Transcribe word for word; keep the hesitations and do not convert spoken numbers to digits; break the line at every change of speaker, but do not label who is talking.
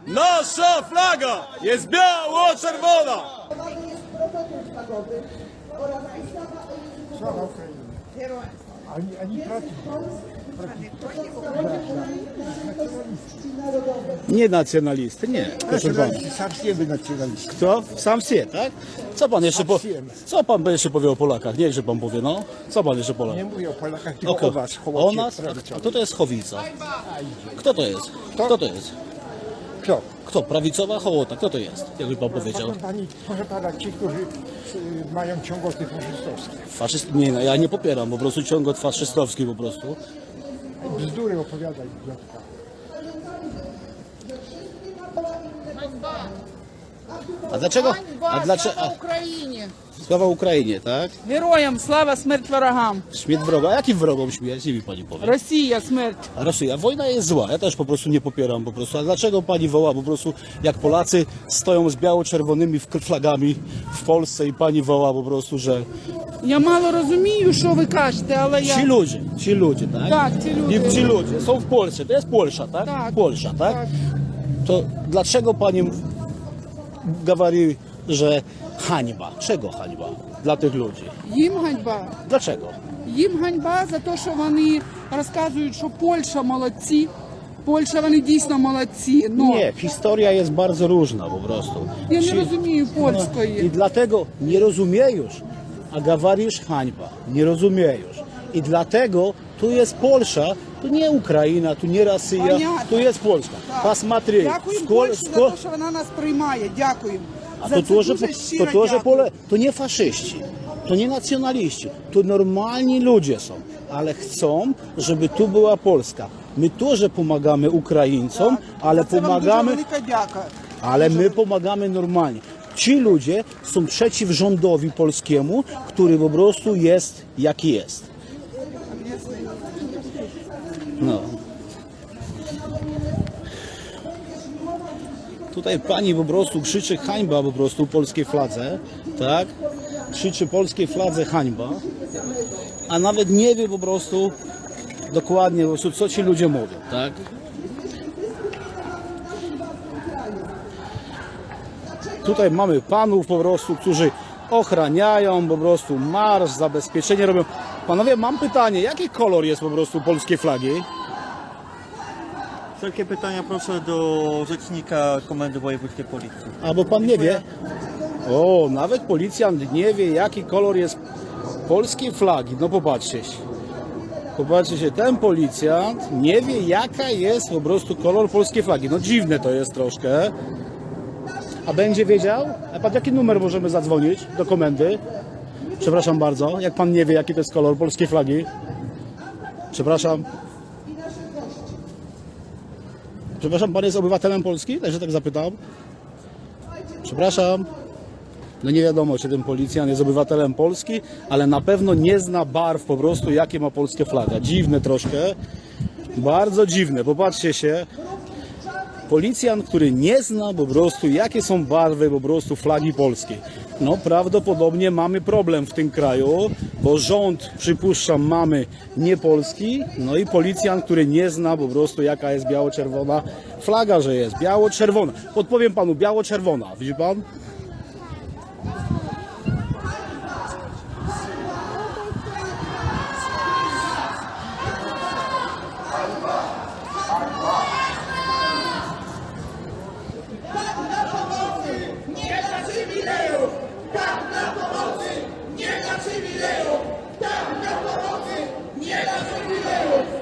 Nasza flaga jest biało-czerwona!
Sława Ukrainie. Ani, ani traci.
Nie nacjonalisty, nie. Proszę pana.
Sam siebie nacjonalista.
Kto? Sam sie, tak? Co pan jeszcze po...
Sam
Co pan jeszcze powie o Polakach? Niechże pan powie, no. Co pan jeszcze Polak?
Nie mówię o Polakach, tylko
Oko.
o was.
O
Hołocie
nas?
prawicowi.
A kto to jest Chowica? Kto to jest? Kto to jest?
Kto?
Kto? Prawicowa hołota? Kto to jest? Jakby pan powiedział.
Proszę pani, proszę pana, ci, którzy y, mają ciągoty faszystowskie.
Faszyst... Nie, no, ja nie popieram po prostu ciągot faszystowski po prostu.
Bzdury opowiadaj, idiotka.
A dlaczego? A
Ганьба,
dlaczego?
слава
A,
Україні!
sława Ukrainie, tak?
Героям слава, смерть ворогам!
Śmierć wroga. A jakim wrogom śmierć? Nie mi pani powie.
Росія, смерть!
A Rosja, wojna jest zła, ja też po prostu nie popieram po prostu. A dlaczego pani woła po prostu, jak Polacy stoją z biało-czerwonymi flagami w Polsce i pani woła po prostu, że
Я мало розумію, що ви кажете, але
ci
я...
ludzie, ci ludzie, tak?
Tak, ci ludzie.
I ci ludzie są w Polsce, to jest Polsza, tak?
Tak.
Polsza, tak?
Tak.
To dlaczego pani mówi, że hańba? Czego hańba dla tych ludzi?
Їм ганьба.
Dlaczego?
Їм ганьба за те, що вони розказують, що Польща молодці. Польща, вони дійсно молодці. Но
Nie, historia jest bardzo różna po prostu.
я не
Ci-
розумію
I
польської.
dlatego nie rozumiejesz, a gawarisz hańba. Nie rozumiejesz. I dlatego tu jest Polsza, tu nie Ukraina, tu nie Rosja,
Понятно.
tu jest Polska.
Так.
Посмотри,
Дякуємо
сколь,
Польщі за
сколь,
те, що вона нас приймає. Дякуємо.
a
За
to
це
тоже,
дуже
to
щиро
тоже
дякую.
pole, to nie faszyści, to nie nacjonaliści, to normalni ludzie są, ale chcą, żeby tu była Polska. My też pomagamy Ukraińcom, ale
За це вам
pomagamy,
дуже велика дяка.
ale my pomagamy normalnie. Ci ludzie są przeciw rządowi polskiemu, który po prostu jest jaki jest. No. Tutaj pani po prostu krzyczy hańba po prostu polskiej fladze, tak? Krzyczy polskiej fladze hańba, a nawet nie wie po prostu dokładnie po prostu, co ci ludzie mówią, tak? Tutaj mamy panów po prostu, którzy ochraniają po prostu marsz, zabezpieczenie robią. Panowie, mam pytanie, jaki kolor jest po prostu polskiej flagi?
Wszelkie pytania proszę do rzecznika Komendy Wojewódzkiej Policji.
Albo pan nie wie? O, nawet policjant nie wie, jaki kolor jest polskiej flagi. No popatrzcie się. Popatrzcie się, ten policjant nie wie, jaka jest po prostu kolor polskiej flagi. No dziwne to jest troszkę. A będzie wiedział? A pan jaki numer możemy zadzwonić do komendy? Przepraszam bardzo, jak pan nie wie, jaki to jest kolor polskiej flagi? Przepraszam. Przepraszam, pan jest obywatelem Polski? Także tak zapytam. Przepraszam. No nie wiadomo, czy ten policjant jest obywatelem Polski, ale na pewno nie zna barw po prostu, jakie ma polskie flaga. Dziwne troszkę. Bardzo dziwne. Popatrzcie się. Policjant, który nie zna po prostu, jakie są barwy po prostu flagi polskiej. No prawdopodobnie mamy problem w tym kraju, bo rząd, przypuszczam, mamy nie polski, no i policjant, który nie zna po prostu, jaka jest biało-czerwona flaga, że jest biało-czerwona. Podpowiem panu, biało-czerwona, widzi pan?